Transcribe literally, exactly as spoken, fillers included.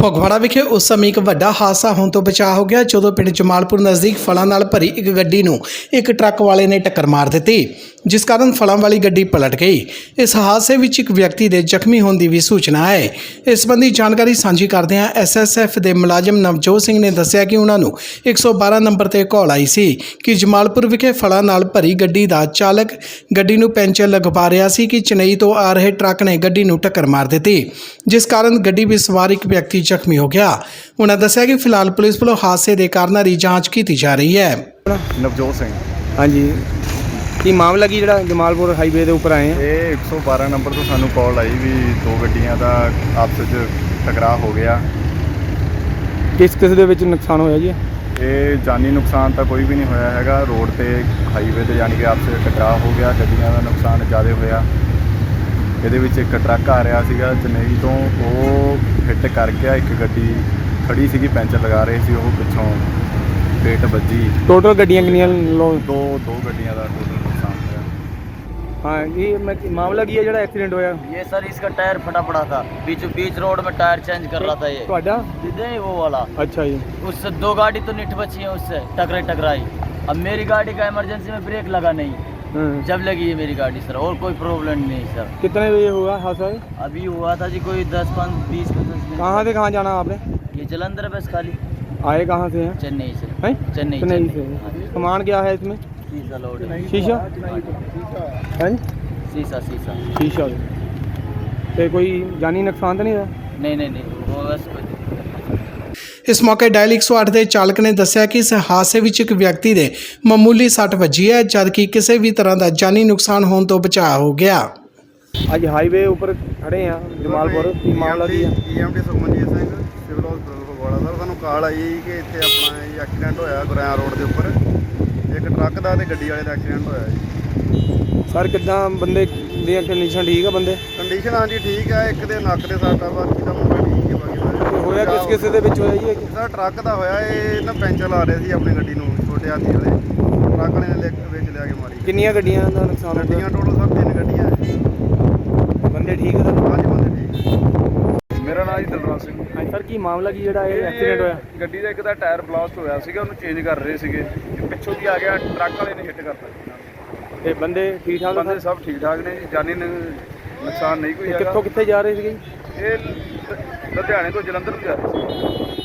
ਫਗਵਾੜਾ ਵਿਖੇ ਉਸ ਸਮੇਂ ਇੱਕ ਵੱਡਾ ਹਾਦਸਾ ਹੋਣ ਤੋਂ ਬਚਾ ਹੋ ਗਿਆ ਜਦੋਂ ਪਿੰਡ ਜਮਾਲਪੁਰ ਨਜ਼ਦੀਕ ਫਲਾਂ ਨਾਲ ਭਰੀ ਇੱਕ ਗੱਡੀ ਨੂੰ ਇੱਕ ਟਰੱਕ ਵਾਲੇ ਨੇ ਟੱਕਰ ਮਾਰ ਦਿੱਤੀ, ਜਿਸ ਕਾਰਨ ਫਲਾਂ ਵਾਲੀ ਗੱਡੀ ਪਲਟ ਗਈ। ਇਸ ਹਾਦਸੇ ਵਿੱਚ ਇੱਕ ਵਿਅਕਤੀ ਦੇ ਜ਼ਖਮੀ ਹੋਣ ਦੀ ਵੀ ਸੂਚਨਾ ਹੈ। ਇਸ ਸੰਬੰਧੀ ਜਾਣਕਾਰੀ ਸਾਂਝੀ ਕਰਦਿਆਂ ਐਸ ਐਸ ਐਫ ਦੇ ਮੁਲਾਜ਼ਮ ਨਵਜੋਤ ਸਿੰਘ ਨੇ ਦੱਸਿਆ ਕਿ ਉਹਨਾਂ ਨੂੰ ਇੱਕ ਸੌ ਬਾਰਾਂ ਨੰਬਰ ਤੇ ਕਾਲ ਆਈ ਸੀ ਕਿ ਜਮਾਲਪੁਰ ਵਿਖੇ ਫਲਾਂ ਨਾਲ ਭਰੀ ਗੱਡੀ ਦਾ ਚਾਲਕ ਗੱਡੀ ਨੂੰ ਪੈਂਚਰ ਲਗਵਾ ਰਿਹਾ ਸੀ ਕਿ ਚੇਨਈ ਤੋਂ ਆ ਰਹੇ ਟਰੱਕ ਨੇ ਗੱਡੀ ਨੂੰ ਟੱਕਰ ਮਾਰ ਦਿੱਤੀ, ਜਿਸ ਕਾਰਨ ਗੱਡੀ ਵਿੱਚ ਸਵਾਰ ਇੱਕ ਵਿਅਕਤੀ ਜ਼ਖਮੀ ਹੋ ਗਿਆ। ਉਹਨਾਂ ਦੱਸਿਆ ਕਿ ਫਿਲਹਾਲ ਪੁਲਿਸ ਵੱਲੋਂ ਹਾਦਸੇ ਦੇ ਕਾਰਨਾਂ ਦੀ ਜਾਂਚ ਕੀਤੀ ਜਾ ਰਹੀ ਹੈ। ਨਵਜੋਤ ਸਿੰਘ। हाँ जी, ਕੀ ਮਾਮਲਾ ਕੀ ਜਿਹੜਾ ਜਮਾਲਪੁਰ ਹਾਈਵੇ ਦੇ ਉੱਪਰ ਆਏ ਆ? ਇਹ ਇੱਕ ਸੌ ਬਾਰਾਂ ਨੰਬਰ ਤੋਂ ਸਾਨੂੰ ਕਾਲ ਆਈ ਵੀ ਦੋ ਗੱਡੀਆਂ ਦਾ ਆਪਸ ਵਿੱਚ ਟਕਰਾਅ ਹੋ ਗਿਆ। ਕਿਸ ਕਿਸ ਦੇ ਵਿੱਚ ਨੁਕਸਾਨ ਹੋਇਆ ਜੀ? ਇਹ ਜਾਨੀ ਨੁਕਸਾਨ ਤਾਂ ਕੋਈ ਵੀ ਨਹੀਂ ਹੋਇਆ ਹੈਗਾ, ਰੋਡ ਤੇ ਹਾਈਵੇ ਤੇ ਯਾਨੀ ਕਿ ਆਪਸ ਵਿੱਚ ਟਕਰਾਅ ਹੋ ਗਿਆ। ਗੱਡੀਆਂ ਦਾ ਨੁਕਸਾਨ ਜ਼ਿਆਦਾ ਹੋਇਆ। ਇਹਦੇ ਵਿੱਚ ਇੱਕ ਟਰੱਕ ਆ ਰਿਹਾ ਸੀਗਾ ਚੇਨਈ ਤੋਂ, ਉਹ ਹਿੱਟ ਕਰ ਗਿਆ। ਇੱਕ ਗੱਡੀ ਖੜੀ ਸੀਗੀ ਪੈਂਚਰ ਲਗਾ ਰਹੀ ਸੀ, ਉਹ ਪਿੱਛੋਂ ਪੇਟ ਵੱਜੀ। ਟੋਟਲ ਗੱਡੀਆਂ ਕਿੰਨੀਆਂ ਲੋ? ਦੋ ਦੋ ਗੱਡੀਆਂ ਦਾ ਟੋਟਲ ਨੁਕਸਾਨ ਹੋਇਆ। हाँ, ये मैं मामला की है जो एक्सीडेंट होया? ये सर इसका टायर फटा पड़ा था, बीच बीच रोड में टायर चेंज कर रहा था ये। ਤੁਹਾਡਾ? नहीं वो वाला। अच्छा जी। उससे दो गाड़ी तो निठ बची है, उससे टकराई टकराई। अब मेरी गाड़ी का इमरजेंसी में ब्रेक लगा नहीं, जब लगी है मेरी गाड़ी सर, और कोई प्रॉब्लम नहीं सर। कितने बजे हुआ हादसा? अभी हुआ था जी कोई दस पाँच बीस पचास मिनट। कहाँ से कहाँ जाना आपने? ये जलंधर बस खाली। आए कहाँ से हैं? चेन्नई से। हैं? चेन्नई चेन्नई से। से। सामान क्या है इसमें? शीशा लोड है। शीशा? हैं? शीशा शीशा। शीशा। ਤੇ ਕੋਈ ਜਾਨੀ ਨੁਕਸਾਨ ਤਾਂ ਨਹੀਂ ਹੋਇਆ? नहीं नहीं नहीं वो बस कोई। ਇਸ ਮੌਕੇ ਡਾਇਲ ਇੱਕ ਸੌ ਅੱਠ ਦੇ ਚਾਲਕ ਨੇ ਦੱਸਿਆ ਕਿ ਇਸ ਹਾਦਸੇ ਵਿੱਚ ਇੱਕ ਵਿਅਕਤੀ ਦੇ ਮਾਮੂਲੀ ਸੱਟ ਵੱਜੀ ਹੈ, ਜਦਕਿ ਕਿਸੇ ਵੀ ਤਰ੍ਹਾਂ ਦਾ ਜਾਨੀ ਨੁਕਸਾਨ ਹੋਣ ਤੋਂ ਬਚਾਅ ਹੋ ਗਿਆ। ਅੱਜ ਹਾਈਵੇ ਉੱਪਰ ਖੜੇ ਆ ਜਮਾਲਪੁਰ, ਕੀ ਮਾਮਲਾ ਕੀ ਹੈ? E M D Sukhmanjeet Singh, civil ਹਸਪਤਾਲ ਫਗਵਾੜਾ। ਸਰ ਸਾਨੂੰ ਕਾਲ ਆਈ ਕਿ ਇੱਥੇ ਆਪਣਾ ਇਹ ਐਕਸੀਡੈਂਟ ਹੋਇਆ ਗੁਰਿਆਂ ਰੋਡ ਦੇ ਉੱਪਰ, ਇੱਕ ਟਰੱਕ ਦਾ ਤੇ ਗੱਡੀ ਵਾਲੇ ਦਾ ਐਕਸੀਡੈਂਟ ਹੋਇਆ ਜੀ। ਸਰ ਕਿੱਦਾਂ ਬੰਦੇ ਦੀ ਕੰਡੀਸ਼ਨ ਠੀਕ ਆ? ਬੰਦੇ ਕੰਡੀਸ਼ਨ ਹਾਂਜੀ ਠੀਕ ਹੈ, ਇੱਕ ਦੇ ਨੱਕ ਦੇ ਸੱਟ ਆ, ਬਾਕੀ ਦਾ ਮੁੰਡਾ ਠੀਕ ਹੈ। ਬਾਕੀ ਹੋਇਆ ਕਿਸ ਕਿਸੇ ਦੇ ਵਿੱਚ ਹੋਇਆ ਜੀ ਇਹ? ਸਰ ਟਰੱਕ ਦਾ ਹੋਇਆ, ਇਹ ਨਾ ਪੈਂਚਰ ਲਾ ਰਹੇ ਸੀ ਆਪਣੀ ਗੱਡੀ ਨੂੰ, ਛੋਟੇ ਹਾਥੀ ਵਾਲੇ ਟਰੱਕ ਵਾਲੇ ਨੇ ਲਿਖ- ਵਿੱਚ ਲਿਆ ਕੇ ਮਾਰੀ। ਕਿੰਨੀਆਂ ਗੱਡੀਆਂ ਦਾ ਨੁਕਸਾਨ ਹੋਇਆ? ਗੱਡੀਆਂ ਟੋਟਲ ਸਭ ਤਿੰਨ ਗੱਡੀਆਂ ਹੈ। ਬੰਦੇ ਠੀਕ ਆ ਸਰ? ਹਾਂਜੀ ਬੰਦੇ ਠੀਕ। ਮੇਰਾ ਨਾਮ ਜੀ ਦਲਰਾਜ ਸਿੰਘ। ਹਾਂਜੀ ਸਰ, ਕੀ ਮਾਮਲਾ ਕੀ ਜਿਹੜਾ ਇਹ ਐਕਸੀਡੈਂਟ ਹੋਇਆ? ਗੱਡੀ ਦਾ ਇੱਕ ਦਾ ਟਾਇਰ ਬਲਾਸਟ ਹੋਇਆ ਸੀਗਾ, ਉਹਨੂੰ ਚੇਂਜ ਕਰ ਰਹੇ ਸੀਗੇ, ਪਿੱਛੋਂ ਦੀ ਆ ਗਿਆ ਟਰੱਕ ਵਾਲੇ ਨੇ ਹਿੱਟ ਕਰਤਾ। ਤੇ ਬੰਦੇ ਠੀਕ ਠਾਕ ਆ ਬੰਦੇ ਸਰ? ਸਭ ਠੀਕ ਠਾਕ ਨੇ ਜੀ, ਜਾਨੀ ਨ- ਨੁਕਸਾਨ ਨਹੀਂ ਕੋਈ ਤੇ ਹੈਗਾ। ਕਿੱਥੋਂ ਕਿੱਥੇ ਜਾ ਰਹੇ ਸੀਗੇ? ਇਹ ਲ- ਲੁਧਿਆਣੇ ਤੋਂ ਜਲੰਧਰ ਨੂੰ ਜਾ ਰਹੇ ਸੀ।